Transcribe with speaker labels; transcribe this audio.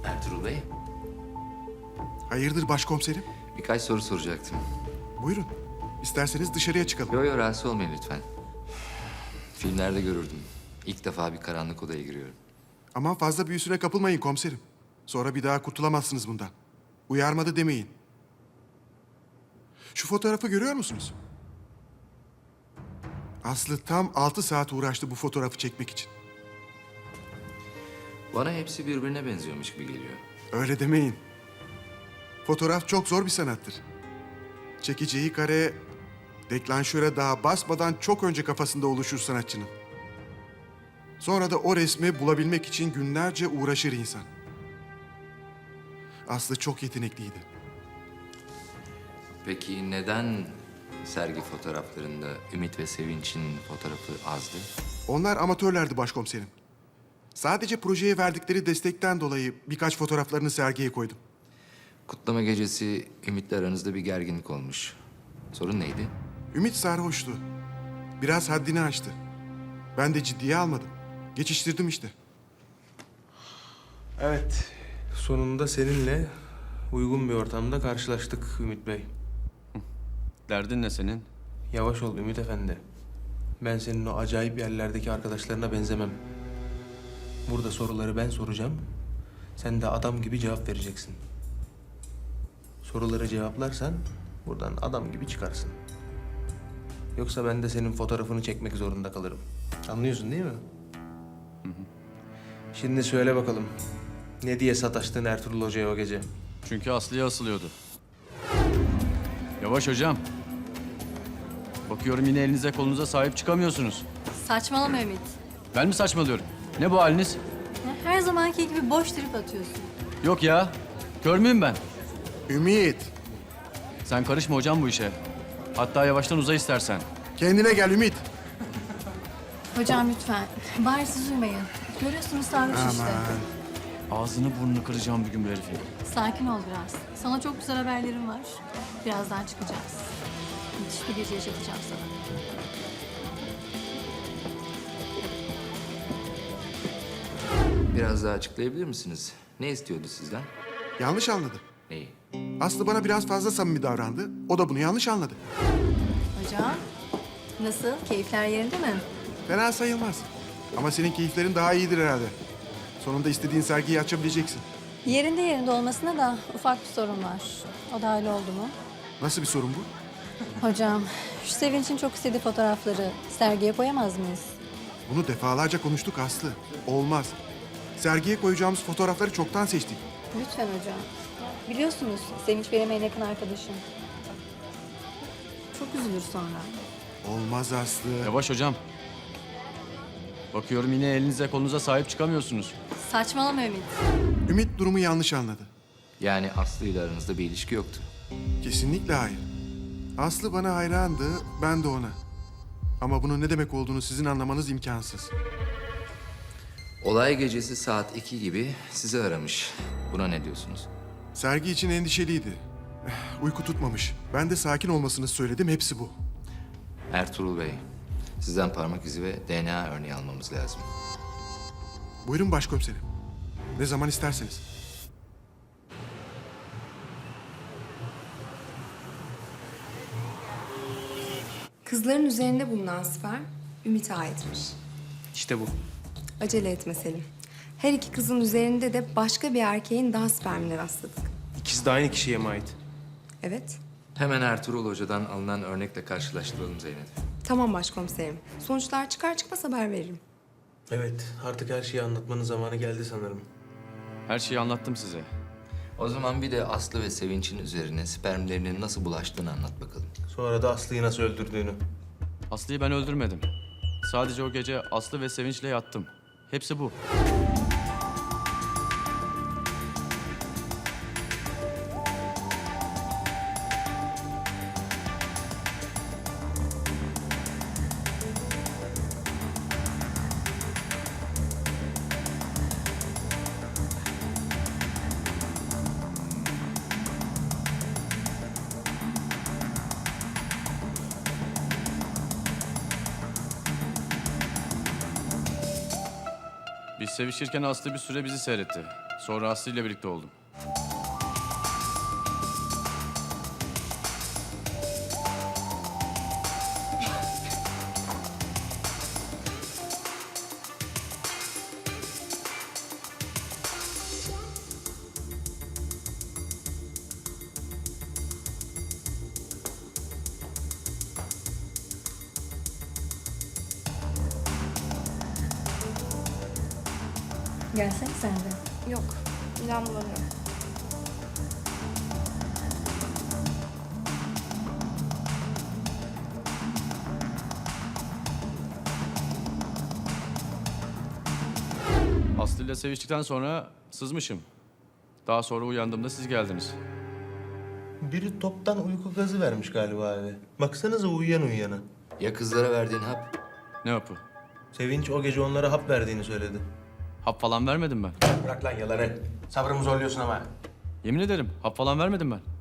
Speaker 1: Ertuğrul Bey,
Speaker 2: Hayırdır başkomiserim?
Speaker 1: birkaç soru soracaktım.
Speaker 2: Buyurun. İsterseniz dışarıya çıkalım.
Speaker 1: Yo, rahatsız olmayın lütfen. Filmlerde görürdüm. İlk defa bir karanlık odaya giriyorum.
Speaker 2: Aman fazla büyüsüne kapılmayın komiserim. Sonra bir daha kurtulamazsınız bundan. Uyarmadı demeyin. Şu fotoğrafı görüyor musunuz? Aslı tam 6 saat uğraştı bu fotoğrafı çekmek için.
Speaker 1: Bana hepsi birbirine benziyormuş gibi geliyor.
Speaker 2: Öyle demeyin. Fotoğraf çok zor bir sanattır. Çekeceği kare, deklanşöre daha basmadan çok önce kafasında oluşur sanatçının. Sonra da o resmi bulabilmek için günlerce uğraşır insan. Aslı çok yetenekliydi.
Speaker 1: Peki neden sergi fotoğraflarında Ümit ve Sevinç'in fotoğrafı azdı?
Speaker 2: Onlar amatörlerdi başkomiserim. Sadece projeye verdikleri destekten dolayı birkaç fotoğraflarını sergiye koydum.
Speaker 1: Kutlama gecesi Ümit'le aranızda bir gerginlik olmuş. Sorun neydi?
Speaker 2: Ümit sarhoştu. Biraz haddini aştı. Ben de ciddiye almadım. Geçiştirdim işte.
Speaker 3: Evet, sonunda seninle uygun bir ortamda karşılaştık Ümit Bey.
Speaker 4: Derdin ne senin?
Speaker 3: Yavaş ol Ümit Efendi. Ben senin o acayip yerlerdeki arkadaşlarına benzemem. Burada soruları ben soracağım. Sen de adam gibi cevap vereceksin. Soruları cevaplarsan buradan adam gibi çıkarsın. Yoksa ben de senin fotoğrafını çekmek zorunda kalırım. Anlıyorsun değil mi? Şimdi söyle bakalım. Ne diye sataştın Ertuğrul Hoca'ya o gece?
Speaker 4: Çünkü Aslı'ya asılıyordu. Yavaş hocam. Bakıyorum yine elinize kolunuza sahip çıkamıyorsunuz.
Speaker 5: Saçmalama Ümit.
Speaker 4: Ben mi saçmalıyorum? Ne bu haliniz?
Speaker 5: Her zamanki gibi boş trip atıyorsun.
Speaker 4: Yok ya. Kör müyüm ben?
Speaker 2: Ümit,
Speaker 4: Sen karışma hocam bu işe. Hatta yavaştan uza istersen.
Speaker 2: kendine gel Ümit.
Speaker 5: Hocam lütfen. Bari siz uymayın. Görüyorsunuz sarhoş işte.
Speaker 4: Ağzını burnunu kıracağım bir gün bu herifin.
Speaker 5: Sakin ol biraz. Sana çok güzel haberlerim var. Birazdan çıkacağız. Müthiş bir gece yaşatacağım sana.
Speaker 1: Biraz daha açıklayabilir misiniz? Ne istiyordu sizden?
Speaker 2: Yanlış anladı.
Speaker 1: Neyi?
Speaker 2: Aslı bana biraz fazla samimi davrandı. O da bunu yanlış anladı.
Speaker 5: Hocam, nasıl? Keyifler yerinde mi?
Speaker 2: Fena sayılmaz. Ama senin keyiflerin daha iyidir herhalde. Sonunda istediğin sergiyi açabileceksin.
Speaker 5: Yerinde olmasına da ufak bir sorun var. O da öyle oldu mu?
Speaker 2: Nasıl bir sorun bu?
Speaker 5: Hocam, şu Sevinç'in çok istediği fotoğrafları sergiye koyamaz mıyız?
Speaker 2: Bunu defalarca konuştuk Aslı. Olmaz. Sergiye koyacağımız fotoğrafları çoktan seçtik.
Speaker 5: Lütfen hocam. Biliyorsunuz Sevinç benim en yakın arkadaşım. Çok üzülür sonra.
Speaker 2: Olmaz Aslı.
Speaker 4: Yavaş hocam. Bakıyorum yine elinize kolunuza sahip çıkamıyorsunuz.
Speaker 5: Saçmalama Ümit.
Speaker 2: Ümit durumu yanlış anladı.
Speaker 1: Yani Aslı ile aranızda bir ilişki yoktu.
Speaker 2: Kesinlikle hayır. Aslı bana hayrandı, ben de ona. Ama bunun ne demek olduğunu sizin anlamanız imkansız.
Speaker 1: Olay gecesi saat 2 gibi sizi aramış. Buna ne diyorsunuz?
Speaker 2: Sergi için endişeliydi. Uyku tutmamış. Ben de sakin olmasını söyledim, hepsi bu.
Speaker 1: Ertuğrul Bey, sizden parmak izi ve DNA örneği almamız lazım.
Speaker 2: Buyurun başkomiserim. Ne zaman isterseniz.
Speaker 6: Kızların üzerinde bulunan sperm Ümit'e aitmiş.
Speaker 3: İşte bu.
Speaker 6: Acele etme Selim. Her iki kızın üzerinde de başka bir erkeğin daha spermine rastladık.
Speaker 3: İkisi de aynı kişiye mi ait?
Speaker 6: Evet.
Speaker 1: Hemen Ertuğrul Hoca'dan alınan örnekle karşılaştıralım Zeynep.
Speaker 6: Tamam başkomiserim. Sonuçlar çıkar çıkmaz haber veririm.
Speaker 3: Evet, artık her şeyi anlatmanın zamanı geldi sanırım.
Speaker 4: Her şeyi anlattım size.
Speaker 1: O zaman bir de Aslı ve Sevinç'in üzerine spermlerinin nasıl bulaştığını anlat bakalım.
Speaker 3: Sonra da Aslı'yı nasıl öldürdüğünü.
Speaker 4: Aslı'yı ben öldürmedim. Sadece o gece Aslı ve Sevinç'le yattım. Hepsi bu. Biz sevişirken Aslı bir süre bizi seyretti. Sonra Aslı ile birlikte oldum.
Speaker 5: Gelsene sen de.
Speaker 6: Yok, midem bulanıyor.
Speaker 4: Aslı ile seviştikten sonra sızmışım. Daha sonra uyandığımda siz geldiniz.
Speaker 3: Biri toptan uyku gazı vermiş galiba abi. Baksanıza uyuyan uyuyana.
Speaker 1: Ya kızlara verdiğin hap?
Speaker 4: Ne yapı?
Speaker 3: Sevinç o gece onlara hap verdiğini söyledi.
Speaker 4: Hap falan vermedim ben.
Speaker 3: Bırak lan yalanı. Sabrımı zorluyorsun ama.
Speaker 4: Yemin ederim hap falan vermedim ben.